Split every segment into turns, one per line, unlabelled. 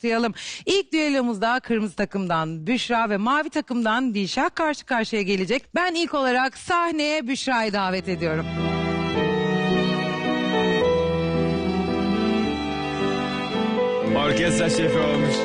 başlayalım. İlk düellomuzda kırmızı takımdan Büşra ve mavi takımdan Dilşah karşı karşıya gelecek. Ben ilk olarak sahneye Büşra'yı davet ediyorum.
Orkestra şefi olmuş.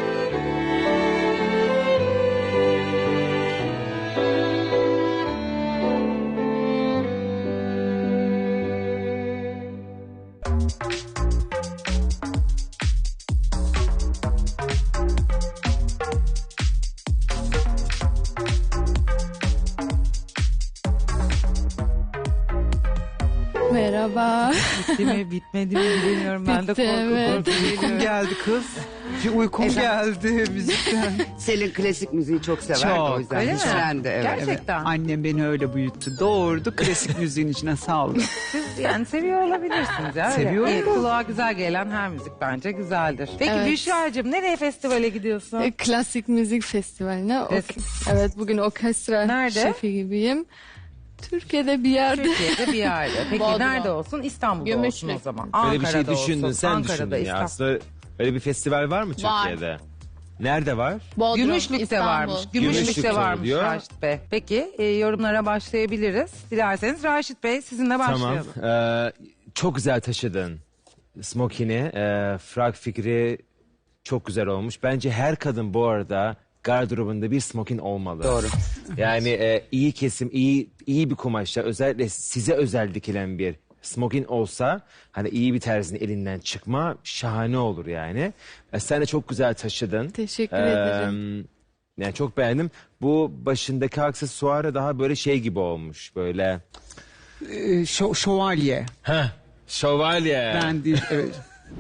Merhaba.
Bitti mi bitmedi mi bilmiyorum, ben de
Bitti, evet.
korku
Uykum geldi kız. Bir uykum geldi müzikten.
Selin klasik müziği çok sever
Çok,
o yüzden
öyle mi?
güçlendi. Evet.
Gerçekten.
Annem beni öyle büyüttü. Doğurdu, klasik müziğin içine saldı.
Siz yani seviyor olabilirsiniz ya. Öyle.
Seviyorum.
İyi, kulağa güzel gelen her müzik bence güzeldir. Peki
Evet.
Büşra'cığım nereye festivale gidiyorsun?
Klasik müzik festivaline. Evet, bugün orkestra
Nerede?
şefi gibiyim. Türkiye'de bir yerde.
Türkiye'de bir yerde. Peki
Bodrum.
nerede olsun? İstanbul'da olsun o zaman.
Öyle bir şey
Ankara'da
düşündün,
olsun.
sen
Ankara'da,
düşündün ya.
İstanbul.
Aslında öyle bir festival var mı Türkiye'de? Nerede var?
Bodrum,
Gümüşlük'te
İstanbul.
varmış. Gümüşlük'te
Gümüşlük'te
varmış
oluyor.
Raşit Bey. Peki yorumlara başlayabiliriz. Dilerseniz Raşit Bey sizinle başlayalım.
Tamam. Çok güzel taşıdın smokini. Frak fikri çok güzel olmuş. Bence her kadın bu arada gardırobunda bir smokin olmalı.
Doğru.
Yani iyi kesim, iyi bir kumaşla, özellikle size özel dikilen bir smokin olsa, hani iyi bir terzinin elinden çıkma, şahane olur yani. Sen de çok güzel taşıdın.
Teşekkür ederim.
Yani çok beğendim. Bu başındaki aksesuarı daha böyle şey gibi olmuş, böyle.
Şövalye.
Şövalye.
Ben değil, evet.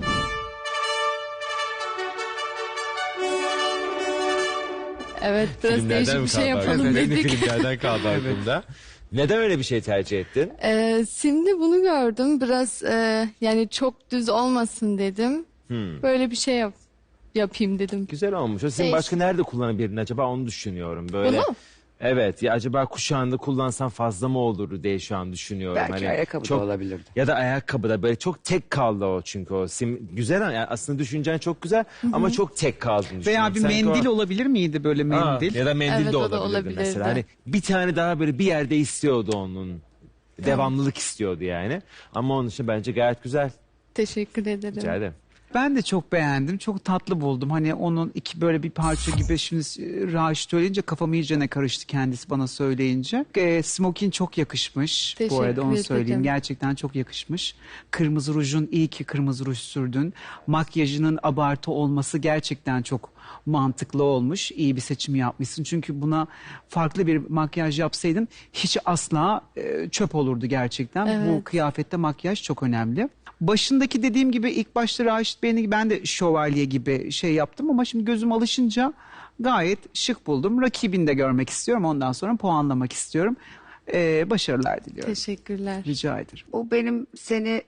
Evet, biraz
Filmlerden
değişik
mi
bir şey
kaldı
yapalım
aklında? Benim
dedik.
filmlerden kaldı aklımda. Neden öyle bir şey tercih ettin?
Şimdi bunu gördüm. Biraz yani çok düz olmasın dedim. Böyle bir şey yapayım dedim.
Güzel olmuş. O sizin
Değişik.
başka nerede kullanabilirdin acaba, onu düşünüyorum. Böyle.
Bunu?
Evet ya, acaba kuşağında kullansan fazla mı olurdu diye şu an düşünüyorum.
Belki ayakkabı da olabilirdi.
Ya da ayakkabıda böyle çok tek kaldı o, çünkü o güzel yani, aslında düşüncen çok güzel ama çok tek kaldığını
Veya
düşünüyorum.
bir
Sanki
mendil
o-
olabilir miydi böyle mendil?
Ya da mendil
Evet,
de
o da
olabilirdi
olabilirdi.
mesela. Hani bir tane daha böyle bir yerde istiyordu onun. Devamlılık istiyordu yani. Ama onun için bence gayet güzel.
Teşekkür ederim.
Rica ederim.
Ben de çok beğendim. Çok tatlı buldum. Hani onun iki böyle bir parça gibi, şimdi Raşit söyleyince kafam iyice ne karıştı kendisi bana söyleyince. Smokin çok yakışmış. Bu
Teşekkür
arada onu söyleyeyim.
ederim.
Gerçekten çok yakışmış. Kırmızı rujun, iyi ki kırmızı ruj sürdün. Makyajının abartı olması gerçekten çok mantıklı olmuş. İyi bir seçim yapmışsın. Çünkü buna farklı bir makyaj yapsaydın hiç asla çöp olurdu gerçekten.
Evet.
Bu kıyafette makyaj çok önemli. Başındaki dediğim gibi ilk başta Raşit Bey'in, ben de şövalye gibi şey yaptım ama şimdi gözüm alışınca gayet şık buldum. Rakibini de görmek istiyorum. Ondan sonra puanlamak istiyorum. Başarılar diliyorum.
Teşekkürler.
Rica ederim.
Bu benim seni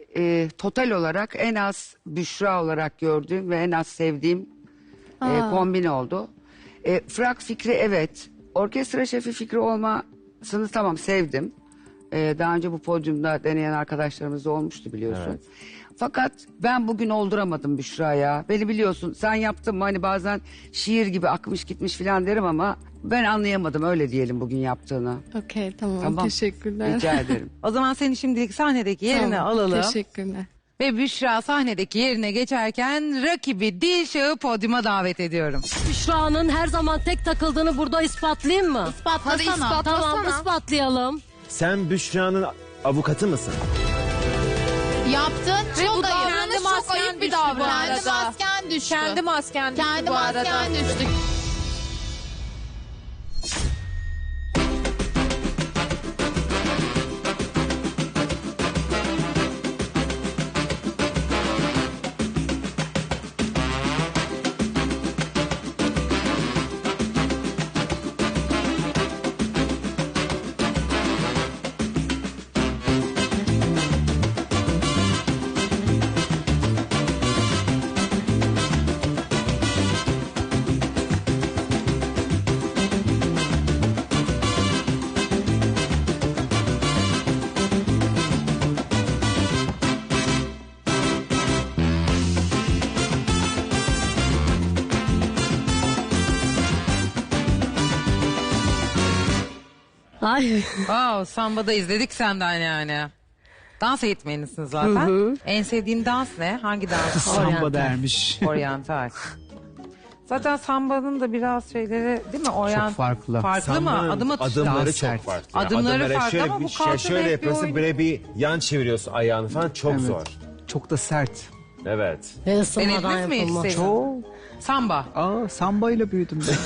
total olarak en az Büşra olarak gördüğüm ve en az sevdiğim kombin oldu. Frak fikri, evet. Orkestra şefi fikri olmasını tamam, sevdim. Daha önce bu podyumda deneyen arkadaşlarımız da olmuştu biliyorsun.
Evet.
Fakat ben bugün olduramadım Büşra'ya. Beni biliyorsun, sen yaptın mı hani bazen şiir gibi akmış gitmiş falan derim ama ben anlayamadım, öyle diyelim, bugün yaptığını.
Okey, tamam.
Tamam.
Teşekkürler.
Rica ederim.
O zaman seni şimdilik sahnedeki yerine
Tamam,
alalım.
Teşekkürler.
Ve Büşra sahnedeki yerine geçerken rakibi Dilşah'ı podyuma davet ediyorum.
Büşra'nın her zaman tek takıldığını burada ispatlayayım mı?
İspatlasana.
Tamam, ispatlayalım.
Sen Büşra'nın avukatı mısın?
Yaptın. Çok ayıp.
Kendi
Çok
masken
ayıp bir
düştü bu
davranış. Kendi
arada.
masken düştü.
Kendi masken düştü
Kendi
bu arada.
masken düştü.
Ay.
Samba'da izledik senden yani. Dans eğitmenisin zaten. En sevdiğin dans ne? Hangi dans?
Samba dermiş.
Oryantal. Zaten Samba'nın da biraz şeyleri değil mi?
Çok farklı.
Farklı mı? Adım atışı.
Adımları
Daha
çok
sert.
farklı.
Adımları
Adımlara
farklı
şöyle
ama bu
bir
kalça
şöyle
net bir
yapıyorsun,
oyun.
böyle bir yan çeviriyorsun ayağını falan, çok
Evet.
zor.
Çok da sert.
Evet.
Ve ısınmadan
Denediniz mi hiç
yapılmaz.
Selin?
Çok.
Samba.
Samba ile büyüdüm ben.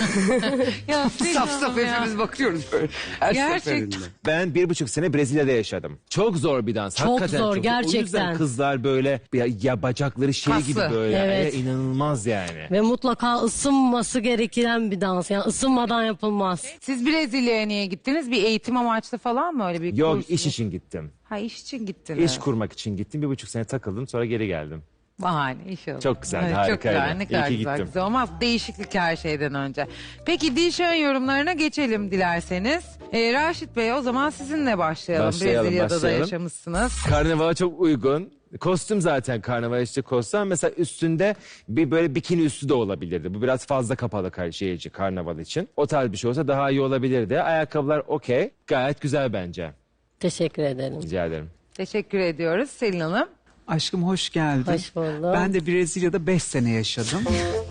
Ya
Saf saf hepimiz bakıyoruz böyle. Her
Gerçekten.
seferinde.
Ben 1,5 sene Brezilya'da yaşadım. Çok zor bir dans.
Çok
Hakikaten
zor,
çok. O
gerçekten.
yüzden kızlar böyle ya bacakları şey
Kaslı.
gibi böyle.
Evet.
İnanılmaz yani.
Ve mutlaka ısınması gereken bir dans. Yani ısınmadan yapılmaz.
Siz Brezilya'ya niye gittiniz? Bir eğitim amaçlı falan mı, öyle bir
Yok,
kurs
iş
mu?
için gittim.
Ha, iş için gittiniz.
İş kurmak için gittim. 1,5 sene takıldım, sonra geri geldim.
Bahane, iş oldu.
Çok güzeldi,
Evet,
harikaydı.
Çok güzel, ne
İyi
kadar
ki
güzel.
gittim.
Güzel olmaz. Değişiklik her şeyden önce. Peki Dilşah'ın yorumlarına geçelim dilerseniz. Raşit Bey, o zaman sizinle başlayalım. Brezilya'da da yaşamışsınız.
Karnavala çok uygun. Kostüm zaten karnaval işte kostüm. Mesela üstünde bir böyle bikini üstü de olabilirdi. Bu biraz fazla kapalı karnaval için. O tarz bir şey olsa daha iyi olabilirdi. Ayakkabılar okey. Gayet güzel bence.
Teşekkür ederim.
Rica ederim.
Teşekkür ediyoruz Selin Hanım.
Aşkım hoş geldin.
Hoş buldum.
Ben de Brezilya'da 5 sene yaşadım.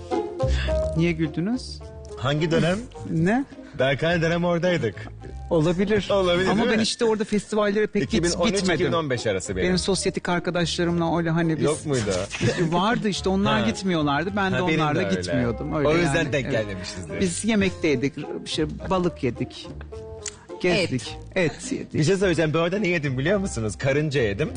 Niye güldünüz?
Hangi dönem?
Ne?
Berkay dönem oradaydık.
Olabilir.
Olabilir,
Ama
değil
ben
mi?
işte orada festivallere pek gitmedim.
2013-2015 arası benim.
Benim sosyetik arkadaşlarımla öyle hani biz...
Yok muydu?
Vardı işte, onlar
Ha.
gitmiyorlardı. Ben de
Ha, benim
onlarla
de öyle.
gitmiyordum. Öyle
O yüzden
yani,
denk
evet.
gelmemişizdir.
Biz yemekteydik, balık yedik, gezdik, et yedik.
Bir şey söyleyeceğim. Ben orada ne yedim biliyor musunuz? Karınca yedim.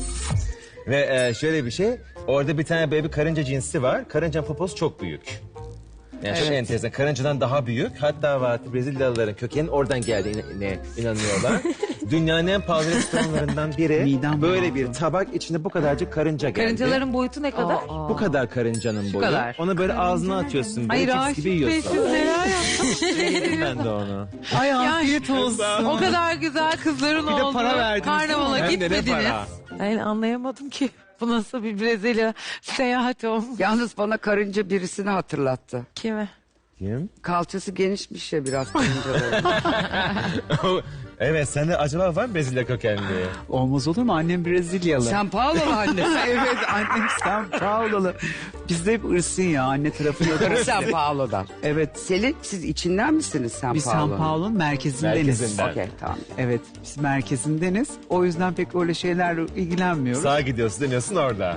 Ve şöyle bir şey. Orada bir tane böyle bir karınca cinsi var. Karıncanın poposu çok büyük. Yani çok enteresan. Karıncadan daha büyük. Hatta var, Brezilyalıların kökenin oradan geldiğine inanıyorlar. Dünyanın en pahalı restoranlarından biri.
Midem
Böyle
bulandı.
bir tabak, içinde bu kadarcık karınca geldi.
Karıncaların boyutu ne kadar?
Bu kadar karıncanın boyu.
kadar.
Onu böyle ağzına atıyorsun.
Ay
Böyle cips
Raşit
gibi
Bey,
yiyorsun.
siz neler yaptınız?
Yedim ben de onu.
Ay afiyet olsun.
O kadar güzel kızların
Bir de
olduğu
para verdiniz,
karnavala
değil mi? Hem de ne
gitmediniz.
para?
Ben anlayamadım ki. Bu nasıl bir Brezilya seyahati olmuş.
Yalnız bana karınca birisini hatırlattı.
Kime?
Kim?
Kalçası genişmiş ya biraz karıncaların.
Evet, sende acaba var mı Brezilya kökenli?
Olmaz olur mu? Annem Brezilyalı.
Sen Paolo'lu anne.
Evet, annem São Paulo'lu. Bizde hep ırsın ya, anne tarafı yok.
Sen Paolo'dan.
Evet,
Selin, siz içinden misiniz Sen
biz
Paolo'nun?
São Paulo'nun merkezindeniz.
Merkezinden.
Okey, tamam.
Evet, biz merkezindeniz. O yüzden pek öyle şeylerle ilgilenmiyoruz.
Sağa gidiyorsun, dönüyorsun orada.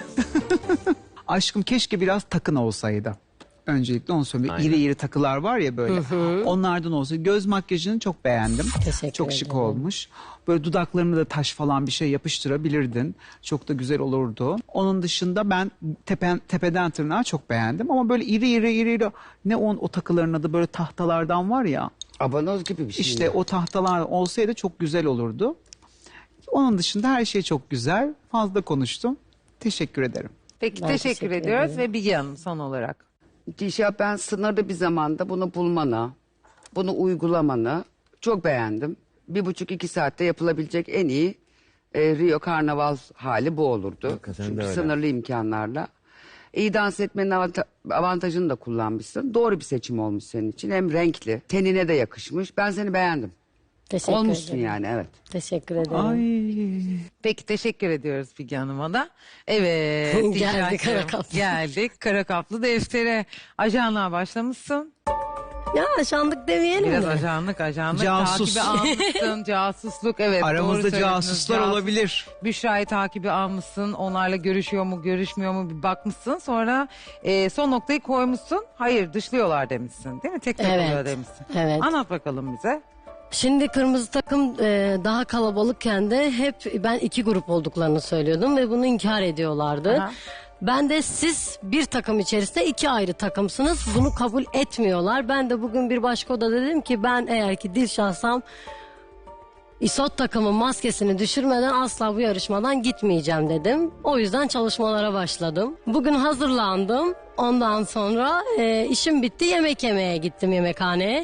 Aşkım keşke biraz takın olsaydı. Öncelikle onu söyleyeyim. İri iri takılar var ya böyle. Onlardan olsa. Göz makyajını çok beğendim.
Teşekkür
Çok şık
ederim.
olmuş. Böyle dudaklarına da taş falan bir şey yapıştırabilirdin. Çok da güzel olurdu. Onun dışında ben tepeden tırnağa çok beğendim. Ama böyle iri. Ne o takıların adı, böyle tahtalardan var ya.
Abanoz gibi bir şey.
İşte o tahtalar olsaydı çok güzel olurdu. Onun dışında her şey çok güzel. Fazla konuştum. Teşekkür ederim.
Peki
Ben
teşekkür
teşekkür
ediyoruz
ederim.
ve Bilge Hanım son olarak.
Dilşah, ben sınırlı bir zamanda bunu bulmanı, bunu uygulamanı çok beğendim. 1,5-2 saatte yapılabilecek en iyi Rio Karnaval hali bu olurdu.
Hakikaten de
Çünkü
öyle.
sınırlı imkanlarla. İyi dans etmenin avantajını da kullanmışsın. Doğru bir seçim olmuş senin için. Hem renkli, tenine de yakışmış. Ben seni beğendim.
Teşekkür
Olmuşsun
ederim.
yani, evet.
Teşekkür ederim.
Ay.
Peki teşekkür ediyoruz Bilge Hanım'a da. Evet.
Geldik
Dilşah'cığım,
Kara Kaplı.
Geldik Kara Kaplı deftere. Ajanlığa başlamışsın.
Ya aşandık demeyelim
Biraz
mi?
ajanlık
Casus.
takibi almışsın. Casusluk, evet. doğru
Aramızda
söylediniz.
casuslar olabilir.
Büşra'yı takibi almışsın. Onlarla görüşüyor mu görüşmüyor mu bir bakmışsın. Sonra son noktayı koymuşsun. Hayır, dışlıyorlar demişsin değil mi? Tek
Evet.
oluyor demişsin.
Evet.
Anlat bakalım bize.
Şimdi kırmızı takım daha kalabalıkken de hep ben 2 grup olduklarını söylüyordum ve bunu inkar ediyorlardı.
Aha.
Ben de siz bir takım içerisinde 2 ayrı takımsınız. Bunu kabul etmiyorlar. Ben de bugün bir başka odada dedim ki ben eğer ki Dilşah'sam İSOT takımın maskesini düşürmeden asla bu yarışmadan gitmeyeceğim dedim. O yüzden çalışmalara başladım. Bugün hazırlandım. Ondan sonra işim bitti, yemek yemeye gittim yemekhaneye.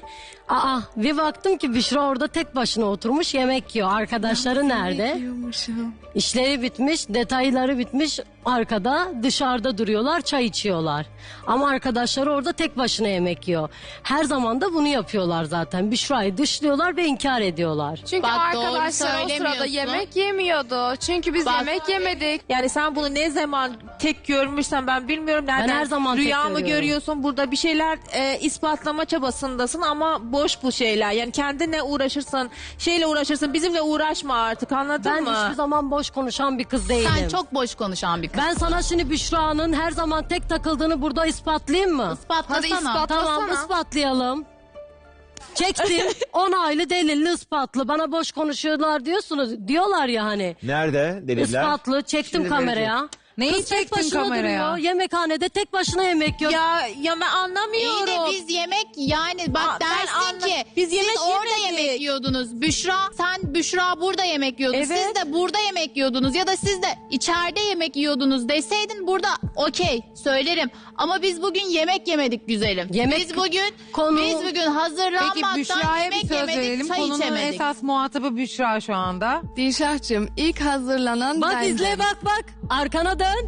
Bir baktım ki Büşra orada tek başına oturmuş yemek yiyor. Arkadaşları nerede? İşleri bitmiş, detayları bitmiş. Arkada dışarıda duruyorlar, çay içiyorlar. Ama arkadaşları orada tek başına yemek yiyor. Her zaman da bunu yapıyorlar zaten. Büşra'yı dışlıyorlar ve inkar ediyorlar.
Çünkü
Bak, doğru
arkadaşlar o sırada
söylemiyorsun.
yemek yemiyordu. Çünkü biz yemek yemedik.
Yani sen bunu ne zaman tek görmüşsen ben bilmiyorum. Nereden
her zaman tek
rüya mı
görüyorum.
görüyorsun? Burada bir şeyler ispatlama çabasındasın ama boş bu şeyler. Yani kendine uğraşırsın, şeyle uğraşırsın. Bizimle uğraşma artık, anladın
Ben
mı?
hiçbir zaman boş konuşan bir kız değilim.
Sen çok boş konuşan bir kız.
Ben sana şimdi Büşra'nın her zaman tek takıldığını burada ispatlayayım mı?
Ispatlasana.
Hadi ispatlasana.
Tamam, ispatlayalım. Çektim. Onaylı, delilli, ispatlı. Bana boş konuşuyorlar diyorlar ya hani.
Nerede deliller?
Ispatlı. Çektim
Şimdi
kameraya.
Neyi
Kız tek
çektin
başına
kameraya?
duruyor. Yemekhanede tek başına yemek yiyor.
Ya ben anlamıyorum.
İyi de biz yemek yani bak
Aa, ben
dersin ki
biz yemek
siz orada
yemedik.
yemek yiyordunuz. Büşra burada yemek yiyordu.
Evet.
Siz de burada yemek yiyordunuz ya da siz de içeride yemek yiyordunuz deseydin burada okey söylerim. Ama biz bugün yemek yemedik güzelim. Biz bugün hazırlanmaktan
Peki Büşra'ya bir
yemek
söz
yemedik,
verelim.
çay
Konunun
içemedik.
esas muhatabı Büşra şu anda.
Dilşah'cığım ilk hazırlanan
Bak
bendim.
izle bak. Arkana dön.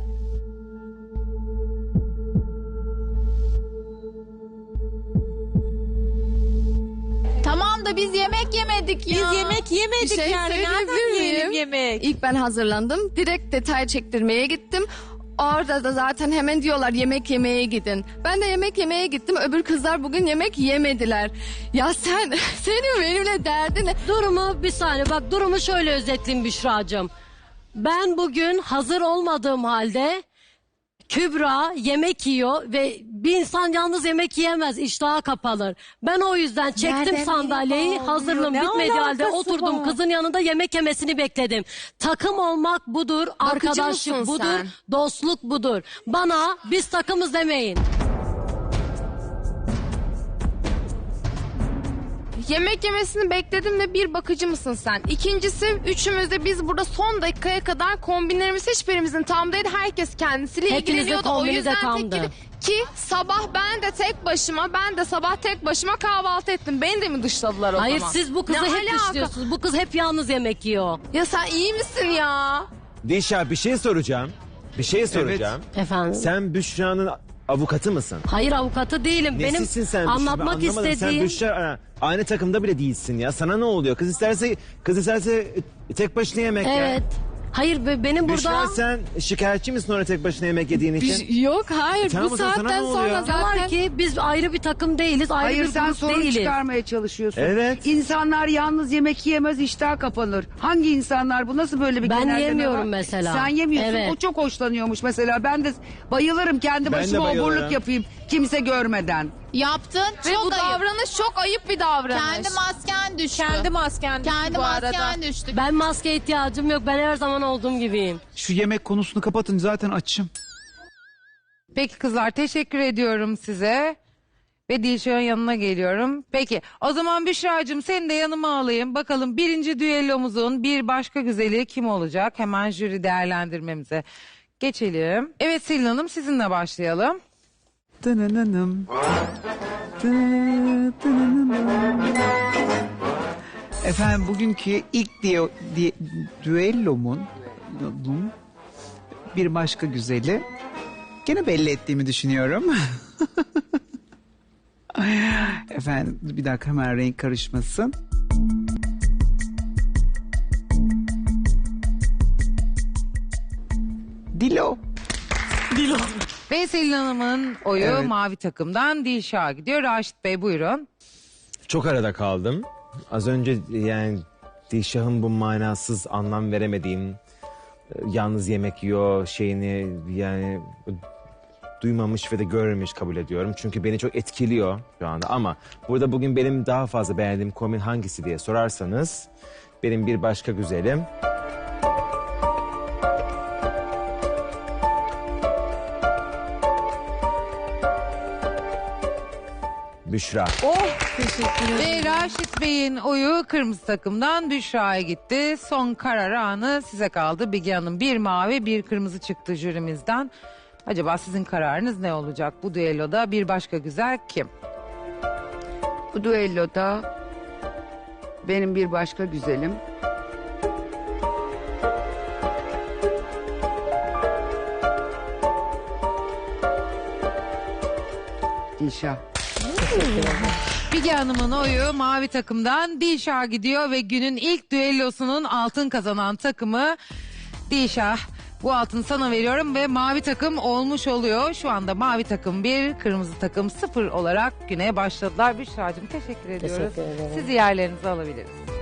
Tamam da biz yemek yemedik ya.
Biz yemek yemedik
Bir şey
yani. Nereden
söyleyebilir
yiyelim
miyim?
yemek?
İlk ben hazırlandım. Direkt detay çektirmeye gittim. Orada da zaten hemen diyorlar yemek yemeye gidin. Ben de yemek yemeye gittim. Öbür kızlar bugün yemek yemediler. Ya senin benimle derdin ne?
Bir saniye bak durumu şöyle özetleyeyim Büşra'cığım. Ben bugün hazır olmadığım halde Kübra yemek yiyor ve bir insan yalnız yemek yiyemez, iştahı kapalır. Ben o yüzden çektim
Nereden
sandalyeyi,
bileyim,
hazırlığım
ne
bitmediği halde
alakası
oturdum
var?
kızın yanında yemek yemesini bekledim. Takım olmak budur, arkadaşlık
mısın
budur,
sen?
dostluk budur. Bana biz takımız demeyin.
Yemek yemesini bekledim de bir bakıcı mısın sen? İkincisi üçümüz de biz burada son dakikaya kadar kombinlerimiz hiçbirimizin tam değil. Herkes kendisiyle
Hepinizin
ilgileniyordu. O
kombini de
yüzden
tamdı.
ki sabah ben de sabah tek başıma kahvaltı ettim. Beni de mi dışladılar o
Hayır
zaman?
siz bu kızı
Ne
hep
alaka?
dışlıyorsunuz. Bu kız hep yalnız yemek yiyor.
Ya sen iyi misin ya?
Dilşah bir şey soracağım.
Efendim?
Sen Büşra'nın avukatı mısın?
Hayır avukatı değilim.
Nesisin sen
Benim
Büşra?
anlatmak
Ben anlamadım.
istediğim...
Sen Büşra aynı takımda bile değilsin ya. Sana ne oluyor? Kız isterse tek başına yemek ya.
Evet. Hayır benim
Büşra
burada...
sen şikayetçi misin orada tek başına yemek yediğin için?
Yok hayır
Tamam,
bu
o zaman sana
saatten
ne
sonra
oluyor?
zaten...
Diyorlar ki biz ayrı bir takım değiliz, ayrı
Hayır
bir
sen
grup
sorun
değiliz.
çıkarmaya çalışıyorsun.
Evet.
İnsanlar yalnız yemek yiyemez, iştah kapanır. Hangi insanlar bu? Nasıl böyle bir
Ben
genelleme
yemiyorum
var?
mesela.
Sen yemiyorsun.
Evet.
O çok hoşlanıyormuş mesela. Ben de bayılırım kendi
Ben de
başıma
bayılırım.
oburluk yapayım kimse görmeden.
Yaptın
Ve
çok
bu
ayıp.
davranış çok ayıp bir davranış.
Kendi masken düştü.
Kendi masken düştü
Kendi
bu arada.
masken düştü.
Ben maske ihtiyacım yok. Ben her zaman olduğum gibiyim.
Şu yemek konusunu kapatın zaten açım.
Peki kızlar teşekkür ediyorum size. Ve Dilşah'ın yanına geliyorum. Peki o zaman Büşra'cığım seni de yanıma alayım. Bakalım birinci düellomuzun bir başka güzeli kim olacak? Hemen jüri değerlendirmemize geçelim. Evet Selin Hanım sizinle başlayalım.
Dınınınım. Dınınınım. Efendim bugünkü ilk düellomun bir başka güzeli. Gene belli ettiğimi düşünüyorum. Efendim bir dakika hemen renk karışmasın. Dilo.
Ve Selin Hanım'ın oyu
Evet.
mavi takımdan Dilşah'a gidiyor. Raşit Bey buyurun.
Çok arada kaldım. Az önce yani Dilşah'ın bu manasız anlam veremediğim yalnız yemek yiyor şeyini yani duymamış ve de görmemiş kabul ediyorum. Çünkü beni çok etkiliyor şu anda ama burada bugün benim daha fazla beğendiğim kombin hangisi diye sorarsanız benim bir başka güzelim. Büşra.
Ve Raşit Bey'in oyu kırmızı takımdan Büşra'ya gitti. Son karar anı size kaldı. Bilge Hanım bir mavi bir kırmızı çıktı jürimizden. Acaba sizin kararınız ne olacak bu düelloda? Bir başka güzel kim?
Bu düelloda benim bir başka güzelim. Dilşah.
Bilge Hanım'ın oyu mavi takımdan Dilşah'a gidiyor ve günün ilk düellosunun altın kazanan takımı Dilşah. Bu altını sana veriyorum ve mavi takım olmuş oluyor. Şu anda mavi takım 1, kırmızı takım 0 olarak güne başladılar. Büşra'cığım teşekkür ediyoruz.
Teşekkür ederim.
Sizi yerlerinize alabiliriz.